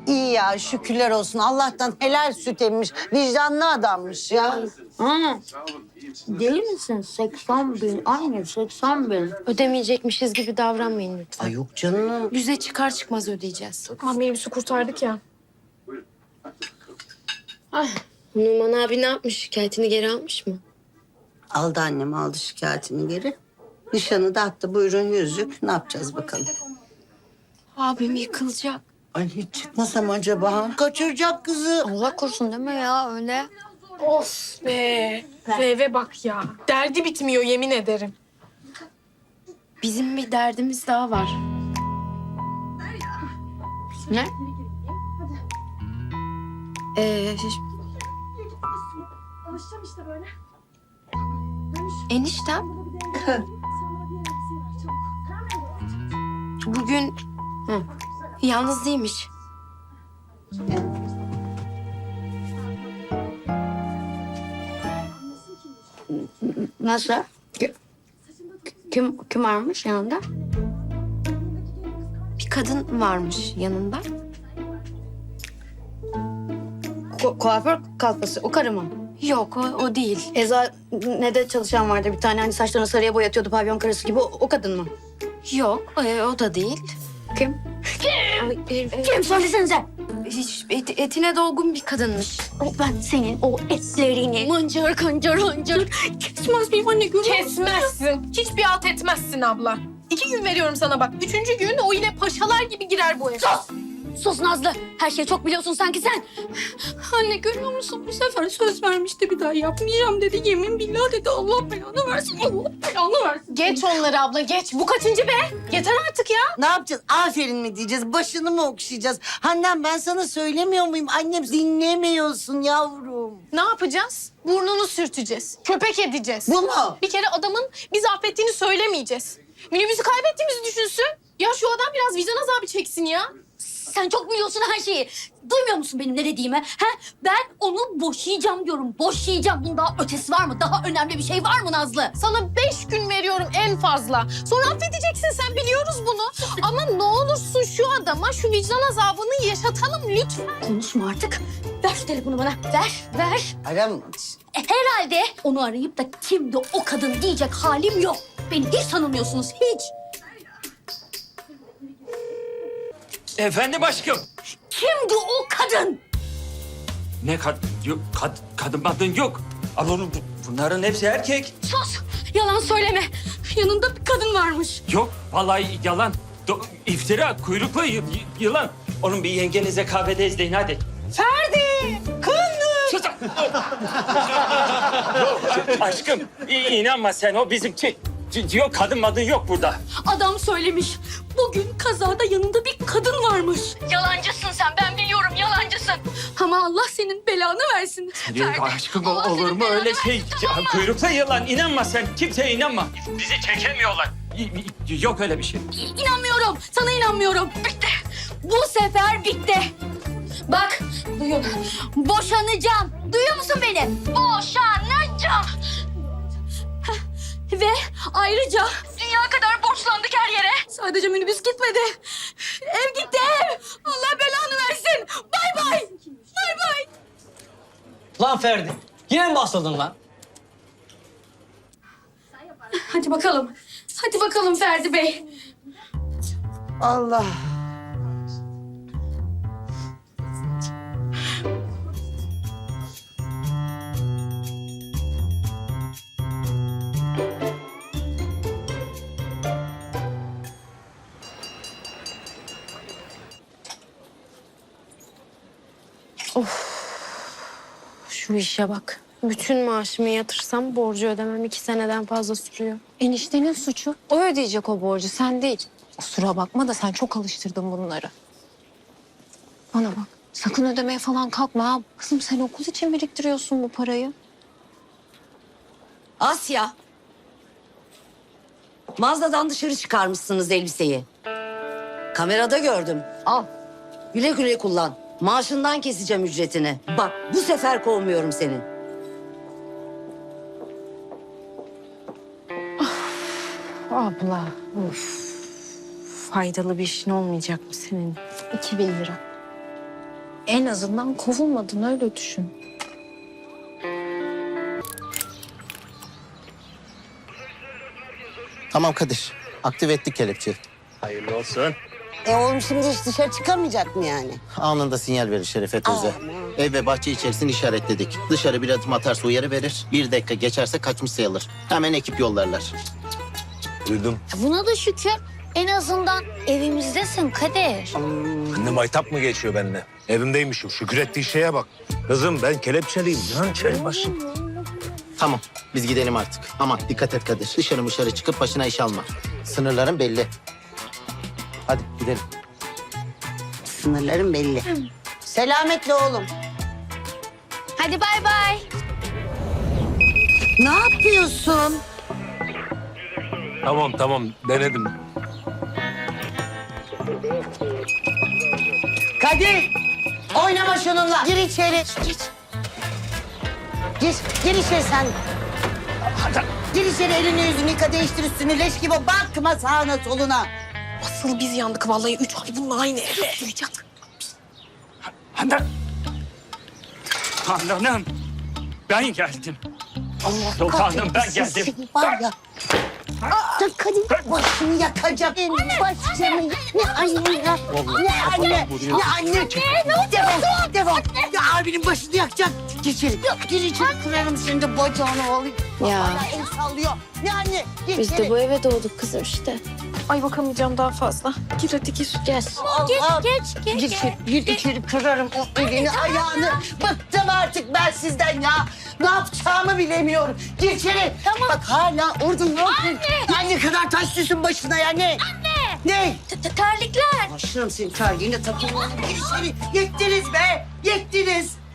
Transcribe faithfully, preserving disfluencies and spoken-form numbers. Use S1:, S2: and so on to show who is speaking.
S1: İyi ya, şükürler olsun. Allah'tan helal süt emmiş. Vicdanlı adammış ya.
S2: Hı. Deli misin? seksen bin. Anne seksen bin.
S3: Ödemeyecekmişiz gibi davranmayın lütfen.
S1: Ay yok canım.
S3: Yüze çıkar çıkmaz ödeyeceğiz.
S4: Ama minibüsü kurtardık ya.
S3: Ay, Numan abi ne yapmış? Şikayetini geri almış mı?
S1: Aldı annem, aldı şikayetini geri. Nişanı da attı. Buyurun yüzük. Ne yapacağız bakalım?
S3: Abim yıkılacak.
S1: Ay hiç çıkmasam acaba? Kaçıracak kızı.
S2: Allah korusun deme ya öyle.
S4: Of be. Eve bak ya. Derdi bitmiyor yemin ederim.
S3: Bizim bir derdimiz daha var.
S2: Ne?
S3: Ee,
S5: Alışacağım işte böyle.
S3: eniştem bugün hı, yalnız değilmiş.
S2: Nasıl? Ki- Kim, kim varmış yanında?
S3: Bir kadın varmış yanında.
S2: Ku- kuaför kalfası. O karı mı?
S3: Yok o, o değil.
S2: Eczanede çalışan vardı bir tane. Hani saçlarını sarıya boyatıyordu pavyon karısı gibi. O, o kadın mı?
S3: Yok e, o da değil.
S2: Kim?
S3: Ay, e,
S2: Kim? Söylesenize.
S3: hiç et- etine dolgun bir kadınmış.
S2: O ben senin o etlerini mıncır kıncır hıncır kesmez miyim anne görüyor musun?
S4: Kesmezsin. Hiçbir alt etmezsin abla. İki gün veriyorum sana bak. Üçüncü gün o yine paşalar gibi girer bu eve.
S2: Sus! Sus Nazlı. Her şeyi çok biliyorsun sanki sen. Anne görüyor musun? Bu sefer söz vermişti bir daha yapmayacağım dedi. Yemin billah dedi. Allah belanı versin. Allah belanı versin.
S4: Geç onları abla geç. Bu kaçıncı be? Yeter artık ya.
S1: Ne yapacağız? Aferin mi diyeceğiz? Başını mı okşayacağız? Hannem ben sana söylemiyor muyum? Annem dinlemiyorsun yavrum.
S4: Ne yapacağız? Burnunu sürteceğiz. Köpek edeceğiz.
S1: Bu mu?
S4: Bir kere adamın bizi affettiğini söylemeyeceğiz. Minibüsü kaybettiğimizi düşünsün. Ya şu adam biraz vicdan azabı çeksin ya.
S2: Sen çok biliyorsun her şeyi. Duymuyor musun benim ne dediğimi? He? Ben onu boşayacağım diyorum. Boşayacağım. Bunun daha ötesi var mı? Daha önemli bir şey var mı Nazlı?
S4: Sana beş gün veriyorum en fazla. Sonra affedeceksin sen biliyoruz bunu. Ama ne olursun şu adama şu vicdan azabını yaşatalım lütfen.
S2: Konuşma artık. Ver şu telefonu bana. Ver, ver.
S1: Aram.
S2: E, herhalde onu arayıp da kimdi o kadın diyecek halim yok. Beni hiç tanımıyorsunuz, hiç.
S6: Efendim aşkım.
S2: Kimdi o kadın?
S6: Ne kad yok kad kadın madın yok. Ama onu, bu- bunların hepsi erkek.
S2: Sus! Yalan söyleme. Yanında bir kadın varmış.
S6: Yok vallahi yalan. Do, iftira kuyruklu y- y- yılan. Onun bir yengenize kahvede izleyin hadi.
S1: Ferdi! Kındır!
S6: Sus. Aşkım i- inanma sen o bizimki. C- Yok kadın madın yok burada.
S2: Adam söylemiş. Bugün kazada yanında bir kadın varmış. Yalancısın sen, ben biliyorum yalancısın. Ama Allah senin belanı versin.
S6: Yok
S2: Ferdi,
S6: aşkım
S2: Allah
S6: olur
S2: senin
S6: mu
S2: belanı
S6: öyle
S2: versin,
S6: şey?
S2: tamam
S6: Ya,
S2: mı?
S6: kuyruklu yılan inanma sen kimseye inanma. Bizi çekemiyorlar. Y- y- Yok öyle bir şey.
S2: İnanmıyorum. Sana inanmıyorum. Bitti. Bu sefer bitti. Bak, duyun. Boşanacağım. Duyuyor musun beni? Boşanacağım. Heh, ve ayrıca dünya kadar borçlandık her yere. Sadece minibüs gitmedi. Ev gitti ev. Allah belanı versin. Bay bay. Bay bay.
S7: Lan Ferdi, yine mi basıldın lan?
S2: Hadi bakalım. Hadi bakalım Ferdi Bey.
S1: Allah.
S3: Şu işe bak. Bütün maaşımı yatırsam borcu ödemem iki seneden fazla sürüyor.
S8: Eniştenin suçu. O ödeyecek o borcu, sen değil. Kusura bakma da sen çok alıştırdın bunları. Bana bak, sakın ödemeye falan kalkma ha. Kızım sen okul için biriktiriyorsun bu parayı.
S9: Asya. Mağazadan dışarı çıkarmışsınız elbiseyi. Kamerada gördüm. Al. Güle güle kullan. Maaşından keseceğim ücretini. Bak bu sefer kovmuyorum seni.
S3: Abla, of. Faydalı bir işin olmayacak mı senin? İki bin lira.
S8: En azından kovulmadın öyle düşün.
S5: Tamam Kadir. Aktive ettik kelepçeyi.
S6: Hayırlı olsun.
S1: E oğlum şimdi hiç dışarı çıkamayacak mı yani?
S5: Anında sinyal verir Şerefe teyze. Ev ve bahçe içerisini işaretledik. Dışarı bir adım atarsa uyarı verir. Bir dakika geçerse kaçmış sayılır. Hemen ekip yollarlar.
S10: Duydum.
S2: Buna da şükür. En azından evimizdesin Kadir.
S10: Anne maytap mı geçiyor benimle? Evimdeymişim. Şükür ettiği şeye bak. Kızım ben kelepçeliyim. Lan çay başım.
S5: Tamam biz gidelim artık. Ama dikkat et Kadir. Dışarı dışarı çıkıp başına iş alma. Sınırların belli. Hadi gidelim.
S1: Sınırlarım belli. Selametle oğlum.
S2: Hadi bay bay.
S1: Ne yapıyorsun?
S10: Tamam tamam denedim.
S1: Kadir! Oynama şununla. Gir içeri. Gir. Gir, gir içeri sen. Gir içeri, elini yüzünü yıka, değiştir üstünü, leş gibi bakma sağına soluna.
S4: Asıl biz yandık vallahi. Üç ay bununla aynı evde oturacak.
S6: Handan. Handan'ım. Ben geldim.
S1: Allah
S6: Sultanım, ben
S1: kahretsin
S6: geldim.
S1: seni var ya. Aa, Kadir başını yakacak. Benim başımı. Ne anne ya. Ne anne. Ne anne. Defol. Defol. Ya abinin başını yakacak. Gir içeri. Gir içeri. Kırarım şimdi bacağını alayım.
S3: Ya.
S1: Hala el sallıyor. Ne anne. Gir
S3: Biz
S1: içeri.
S3: de bu eve doğduk kızım işte.
S4: Ay bakamayacağım daha fazla. Gir hadi gir.
S3: Gel.
S1: Allah.
S2: Geç, geç,
S1: Gir içeri. Gir içeri. Kırarım o elini ayağını. Bıktım artık ben sizden ya. Ne yapacağımı bilemiyorum. Gir içeri. Tamam. Bak hala orada ne yapıyorsun? Anne. Ne kadar taş düşsün başına ya ne? Anne. Ne?
S2: T- t- Terlikler.
S1: Başlarım senin terliğine takılma. Gir içeri. Yettiniz be. Yettiniz.